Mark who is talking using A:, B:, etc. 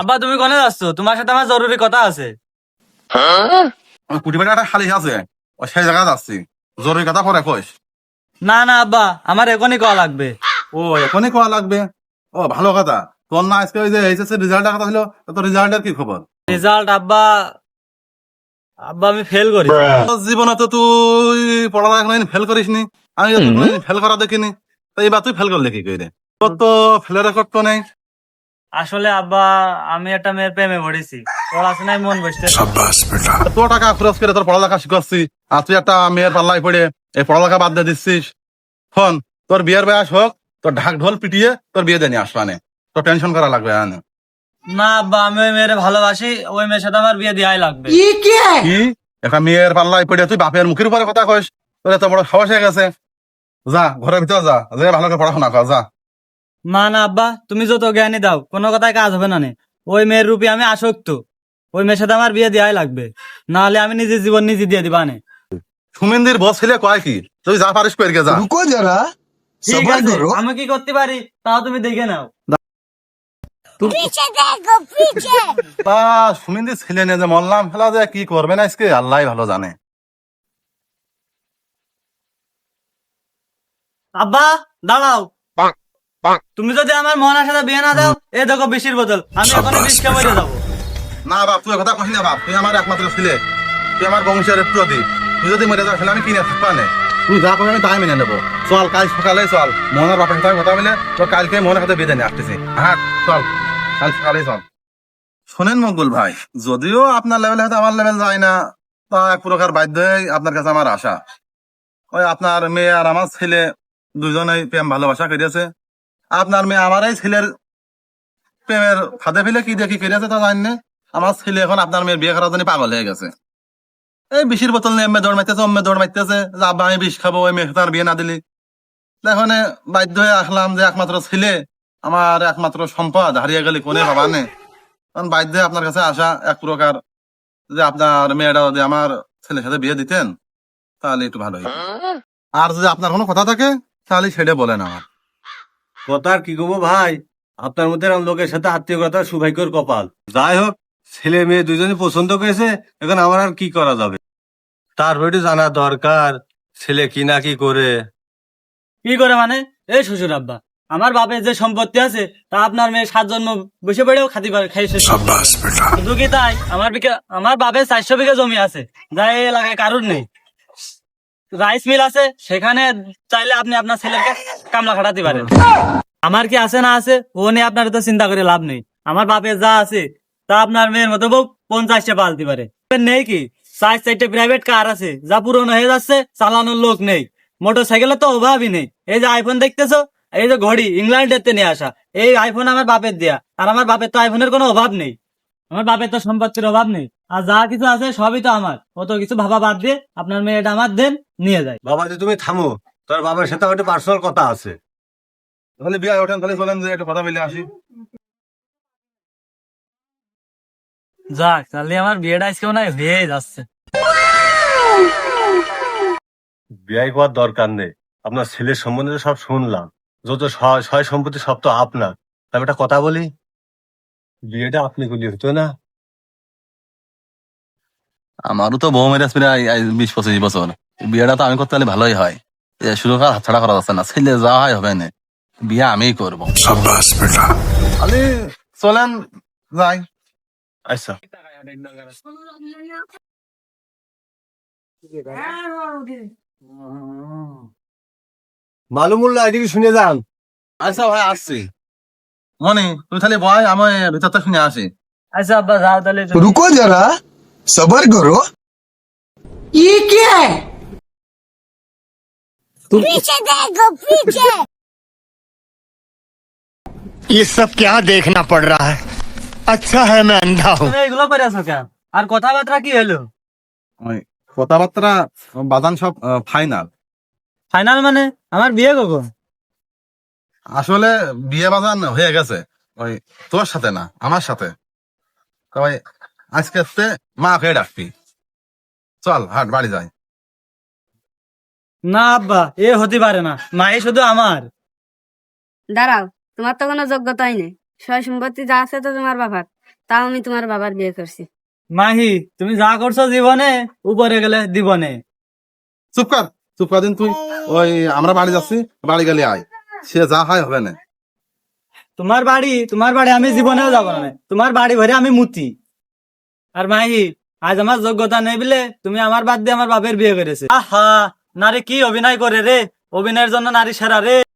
A: আব্বা তুমি কোনে যাচ্ছ? তোমার সাথে আমার জরুরি কথা আছে।
B: কুটি বাড়ি একটা খালি আছে, ও সেই জায়গায় যাচ্ছি। জরুরি কথা পরে কইস।
A: না না আব্বা, আমার এখনই কল লাগবে।
B: ও এখনই কোয়া লাগবে? ও ভালো কথা। তোর না আজকে ওই যে এইচএসসি রেজাল্টের কথা ছিল, তোর রেজাল্টের কি খবর?
A: রেজাল্ট আব্বা, আব্বা আমি ফেল করি।
B: তোর জীবনে তো তুই পড়ালেখা কোনোদিন ফেল করিসনি, আমি তো কোনোদিন ফেল করা দেখিনি। তো এইবার তুই ফেল করলে কি করে? তোর তো ফেলের রেকর্ড তো নেই।
A: আসলে আব্বা, আমি একটা মেয়ের প্রেমে পড়েছি, পড়াশোনায় মন বসতে।
B: তোর টাকা খরচ করে তোর পড়ালেখা শিখাচ্ছি, আর তুই একটা মেয়ের পাল্লায় পড়ে এই পড়ালেখা বাদ দিয়ে দিচ্ছিস। ফোন তোর বিয়ের বয়স হোক, তোর ঢাক ঢোল পিটিয়ে তোর বিয়ে দিয়ে নিয়ে আসবানে, তোর টেনশন করা লাগবে না।
A: না আব্বা, আমি ওই মেয়ের ভালোবাসি, ওই মেয়ের সাথে আমার বিয়ে দেওয়াই লাগবে।
B: কি একটা মেয়ের পাল্লায় পড়ে তুই বাপের মুখের উপরে কথা কইস? তোর এত বড় সাহস হয়ে গেছে? যা ঘরের ভিতরে যা, যে ভালো করে পড়াশোনা কর যা।
A: না না আব্বা, তুমি যত জ্ঞানী দাও, কোনো কথায় কাজ হবে না নে। ওই মেয়ের রূপে আমি আসক্ত, ওই মেয়ের সাথে আমার বিয়ে দেওয়াই লাগবে, না হলে আমি নিজের জীবন নিজে দিয়ে দিবা নে।
B: সুমিন্দির বস ছেলে কয় কি, তুই যা পারিস পেরে যা।
C: रुको जरा
A: ঠিক
C: सबर
A: আছে,
C: करो।
A: আমি কি করতে পারি তাও তুমি দেখে নাও।
D: पीछे देखो पीछे।
B: তা সুমিন্দির ছেলে নিয়ে যে মরলাম, ফেলা যে কি করবে না আজকে আল্লাহ ভালো জানে।
A: আব্বা দাঁড়াও, তুমি যদি আমার মোহনার সাথে বিয়ে না দাও, এ দেখো বিশির বোতল, আমি এখন বিষ খেয়ে মরে যাবো।
B: না বাপ, তুই কথা কহিস না বাপ, তুই আমার একমাত্র ছেলে, তুই আমার বংশের প্রদীপ। তুই যদি মরে যাস তাহলে আমি কিনে থাকবা না। তুই যা করবি আমি তাই মেনে নেবো। চল কাল সকালে চল, মোহনের বাপের সাথে কথা বলে তোর কালকে মোহনের সাথে বেঁধে নিয়ে আসতেছি। হ্যাঁ চল, কাল সকালে চল। শোনেন মকবুল ভাই, যদিও আপনার লেভেল হয়তো আমার লেভেল যায় না, তা এক প্রকার বাধ্য হয়ে আপনার কাছে আমার আশা। ওই আপনার মেয়ে আর আমার ছেলে দুজনেই প্রেম ভালোবাসা করিয়েছে। আপনার মেয়ে আমার এই ছেলের প্রেমের ফাঁদে ফেলে কি দেখি করিয়েছে তা জানি না। আমার ছেলে এখন আপনার মেয়ের বিয়ে করার জন্য পাগল হয়ে গেছে। এই বিষের বোতল নিয়ে এমনি দৌড় মারতেছে, অম্মে দৌড় মারতেছে যে আব্বা আমি বিষ খাবো, ওই মেয়ে তার বিয়ে না দিলি। এখন বাধ্য হয়ে আসলাম যে একমাত্র ছেলে, আমার একমাত্র সম্পদ হারিয়ে গেলে কোনে বাবা নে। কারণ বাধ্য হয়ে আপনার কাছে আসা এক প্রকার, যে আপনার মেয়েটা যদি আমার ছেলের সাথে বিয়ে দিতেন তাহলে একটু ভালো হতো। আর যদি আপনার কোনো কথা থাকে তাহলে সেটা বলেন আমার।
E: কথার কি কব ভাই, আপনার মধ্যে এরকম লোকের সাথে আত্মীয়তা সৌভাগ্যের কপাল। যাই হোক, ছেলে মেয়ে দুজনে পছন্দ করেছে, এখন আমার আর কি করা যাবে। তারপর একটু জানা দরকার ছেলে কি না কি করে।
A: কি করে মানে? এই শ্বশুর আব্বা, আমার বাপের যে সম্পত্তি আছে তা আপনার মেয়ে 7 জন্ম বসে পড়েও খাতি পারে, খাই শেষ করতে পারে না। শুধু কি তাই, আমার বাপের 400 বিঘা জমি আছে, যা এই এলাকায় কারোর নেই। রাইস মিল আছে, সেখানে চাইলে আপনি আপনার ছেলেকে কামলা খাটাতে পারেন। আমার কি আছে না আছে ও নিয়ে আপনার তো চিন্তা করে লাভ নেই। আমার বাপের যা আছে তা আপনার মেয়ের মতো বউ 50টা পালতে পারে। নেই কি 4-4টে প্রাইভেট কার আছে, যা পুরনো হয়ে যাচ্ছে, চালানোর লোক নেই। মোটর সাইকেলের তো অভাবই নেই। এই যে আইফোন দেখতেছো, এই যে ঘড়ি ইংল্যান্ডের নিয়ে আসা, এই আইফোন আমার বাপের দেয়া। আর আমার বাপের তো আইফোনের কোনো অভাব নেই, আমার বাপের তো সম্পত্তির অভাব নেই। আর যা কিছু আছে সবই তো আমার। অত কিছু ভাবা বাদ দিয়ে আপনার মেয়েটা আমার দেন, নিয়ে যায়।
E: বাবা যে তুমি থামো, তোর বাবার সাথে আমার একটা পার্সোনাল কথা আছে।
B: তাহলে বিয়ে ওঠেন, তাহলে চলেন যে একটু কথা বলে আসি।
A: যাক, তাহলে আমার বিয়েটা আজকে মনে হয় হয়ে যাচ্ছে।
E: বিয়ে করার দরকার নেই, আপনার ছেলের সম্বন্ধে সব শুনলাম, যত সয় সম্পত্তি সব তো আপনার। তবে একটা কথা বলি, বিয়েটা আপনি করলে হতো না?
B: আমারও তো বউ মেরে প্রায় 20-25 বছর, বিয়েটা তো আমি করতে হলে ভালোই হয়। শুরু করা হাতছাড়া করা যাচ্ছে না, ছেলে যা হয় হবে না, বিয়ে আমিই করবো। খালি চলেন যাই।
E: আচ্ছা, মালুমুল্লাহ এদিকে শুনে যান।
B: আচ্ছা ভাই আসছি। মনি তুই খালি বয়, আমি ভিতরটা শুনে আসি।
A: আচ্ছা আব্বা যাও তাহলে।
C: रुको जरा सबर करो। ये क्या है?
D: पीछे देखो पीछे।
F: ये सब क्या देखना पड़ रहा है। अच्छा है मैं अंधा हूँ।
A: তুমি এগুলো করে আছো কেন? আর কথাবার্তা কি হলো?
B: ওই কথাবার্তা বাদান সব ফাইনাল।
A: ফাইনাল মানে? আমার বিয়ে কখন?
B: আসলে বিয়ে বাজান হয়ে গেছে, ওই তোর সাথে না আমার সাথে। তবে আজকে মা খেয়ে ডাকবি। চল হাট বাড়ি যাই।
A: না আব্বা, এ হতে পারে না, মাই শুধু আমার।
G: দাঁড়াও, তোমার তো কোনো যোগ্যতাই নেই, সয় সম্পত্তি যা আছে তো তোমার বাবার। তাও আমি তোমার বাবার বিয়ে করছি।
A: মাহি তুমি যা করছো জীবনে উপরে গেলে দিবনে।
B: চুপ কর দিন তুই। ওই আমরা বাড়ি যাচ্ছি, বাড়ি গেলে আয়, সে যা হয় হবে না।
A: তোমার বাড়ি আমি জীবনেও যাবো না, তোমার বাড়ি ভরে আমি মুতি। আর মাহি আজ আমার যোগ্যতা নেই বলে তুমি আমার বাদ দিয়ে আমার বাপের বিয়ে করেছে। আহা, নারী কি অভিনয় করে রে, অভিনয়ের জন্য নারী সেরা রে।